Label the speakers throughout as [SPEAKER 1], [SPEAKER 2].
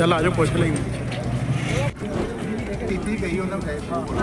[SPEAKER 1] ਚੱਲ ਆ ਜਾਓ ਪੁੱਛ ਲਈ
[SPEAKER 2] ਕੀਤੀ ਗਈ ਉਹਨਾਂ ਨੂੰ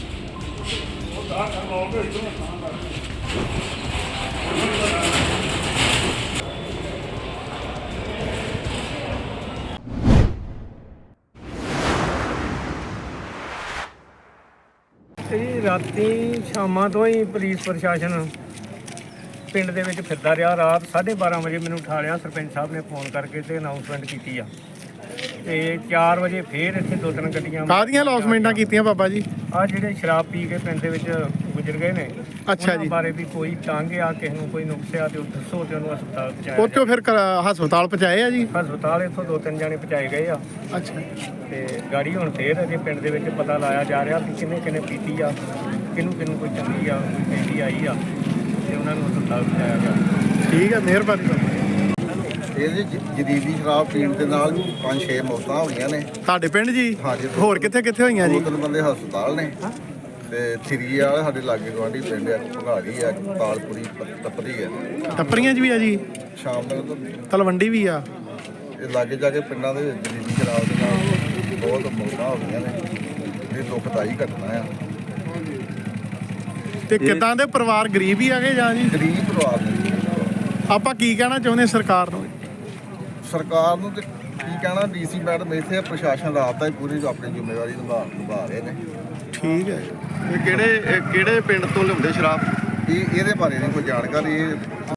[SPEAKER 3] ਇਹ ਰਾਤੀ ਸ਼ਾਮਾਂ ਤੋਂ ਹੀ ਪੁਲਿਸ ਪ੍ਰਸ਼ਾਸਨ ਪਿੰਡ ਦੇ ਵਿੱਚ ਫਿਰਦਾ ਰਿਹਾ। ਰਾਤ 12:30 ਵਜੇ ਮੈਨੂੰ ਉਠਾ ਲਿਆ ਸਰਪੰਚ ਸਾਹਿਬ ਨੇ ਫੋਨ ਕਰਕੇ ਤੇ ਅਨਾਉਂਸਮੈਂਟ ਕੀਤੀ ਆ ਤੇ 4 ਵਜੇ ਫੇਰ ਇੱਥੇ 2-3 ਗੱਡੀਆਂ
[SPEAKER 1] ਕਾਹਦੀਆਂ ਲੌਸਮੈਂਟਾਂ ਕੀਤੀਆਂ ਬਾਬਾ ਜੀ?
[SPEAKER 3] ਆ ਜਿਹੜੇ ਸ਼ਰਾਬ ਪੀ ਕੇ ਪਿੰਡ ਦੇ ਵਿੱਚ ਗੁਜ਼ਰ ਗਏ ਨੇ
[SPEAKER 1] ਅੱਛਾ ਜੀ।
[SPEAKER 3] ਉਹਨਾਂ ਬਾਰੇ ਵੀ ਕੋਈ ਤੰਗ ਆ ਕਿਸੇ ਨੂੰ ਕੋਈ ਨੁਕਸ ਆ ਤੇ ਉਹ ਦੱਸੋ ਤੇ ਉਹਨੂੰ ਹਸਪਤਾਲ ਪਹੁੰਚਾਇਆ
[SPEAKER 1] ਉੱਥੋਂ ਫਿਰ ਹਸਪਤਾਲ ਪਹੁੰਚਾਏ ਆ ਜੀ?
[SPEAKER 3] ਹਸਪਤਾਲ ਇੱਥੋਂ 2-3 ਜਾਣੇ ਪਹੁੰਚਾਏ ਗਏ ਆ
[SPEAKER 1] ਅੱਛਾ
[SPEAKER 3] ਤੇ ਗਾੜੀ ਹੁਣ ਫੇਰ ਅਜੇ ਪਿੰਡ ਦੇ ਵਿੱਚ ਪਤਾ ਲਾਇਆ ਜਾ ਰਿਹਾ ਕਿ ਕਿਹਨੇ ਕਿਹਨੇ ਪੀਤੀ ਆ, ਕਿਹਨੂੰ ਕੋਈ ਚੰਗੀ ਆ ਕੋਈ ਪੈਂਦੀ ਆਈ ਆ ਤੇ ਉਹਨਾਂ ਨੂੰ ਹਸਪਤਾਲ ਪਹੁੰਚਾਇਆ ਗਿਆ।
[SPEAKER 1] ਠੀਕ ਹੈ, ਮਿਹਰਬਾਨੀ ਬਾਬਾ।
[SPEAKER 2] ਇਹਦੇ ਜਦੀਦੀ ਸ਼ਰਾਬ ਪੀਣ ਦੇ ਨਾਲ 5-6 ਮੌਤਾਂ ਹੋਈਆਂ ਨੇ
[SPEAKER 1] ਤੁਹਾਡੇ ਪਿੰਡ ਜੀ?
[SPEAKER 2] ਹਾਂਜੀ।
[SPEAKER 1] ਹੋਰ ਕਿੱਥੇ ਕਿੱਥੇ ਹੋਈਆਂ ਜੀ?
[SPEAKER 2] 2-3 ਬੰਦੇ ਹਸਪਤਾਲ ਨੇ ਤੇ ਥਰੀ ਵਾਲੇ ਸਾਡੇ ਲਾਗੇ ਗਵਾਂਢੀ ਪਿੰਡ ਆ, ਭਗਾੜੀ ਆ, ਤਾਲਪੁਰੀ ਤਪਰੀ ਆ,
[SPEAKER 1] ਟੱਪਰੀਆਂ 'ਚ ਵੀ ਆ ਜੀ?
[SPEAKER 2] ਸ਼ਾਮ ਤੱਕ
[SPEAKER 1] ਤਲਵੰਡੀ ਵੀ ਆ?
[SPEAKER 2] ਇਹ ਲਾਗੇ ਜਾ ਕੇ ਪਿੰਡਾਂ ਦੇ ਵਿੱਚ ਜਦੀਦੀ ਸ਼ਰਾਬ ਦੇ ਨਾਲ ਬਹੁਤ ਮੌਤਾਂ ਹੋ ਗਈਆਂ ਨੇ। ਇਹ ਦੁਖਦਾਈ ਘਟਨਾ ਆ।
[SPEAKER 1] ਤੇ ਕਿੱਦਾਂ ਦੇ ਪਰਿਵਾਰ ਗਰੀਬ ਹੀ ਆਗੇ ਜਾਂ ਜੀ?
[SPEAKER 2] ਗਰੀਬ ਪਰਿਵਾਰ ਨੇ।
[SPEAKER 1] ਆਪਾਂ ਕੀ ਕਹਿਣਾ ਚਾਹੁੰਦੇ ਸਰਕਾਰ ਨੂੰ?
[SPEAKER 2] ਸਰਕਾਰ ਨੂੰ ਤੇ ਕੀ ਕਹਿਣਾ, ਡੀਸੀ ਮੈਡਮ ਇੱਥੇ ਪ੍ਰਸ਼ਾਸਨ ਰਾਤ ਦਾ ਹੀ ਪੂਰੀ ਆਪਣੀ ਜ਼ਿੰਮੇਵਾਰੀ ਨਿਭਾ ਰਹੇ ਨੇ।
[SPEAKER 1] ਠੀਕ ਹੈ।
[SPEAKER 4] ਇਹ ਕਿਹੜੇ ਪਿੰਡ ਤੋਂ ਲਿਆਉਂਦੇ ਸ਼ਰਾਬ?
[SPEAKER 2] ਇਹਦੇ ਬਾਰੇ ਨਹੀਂ ਕੋਈ ਜਾਣਕਾਰੀ। ਇਹ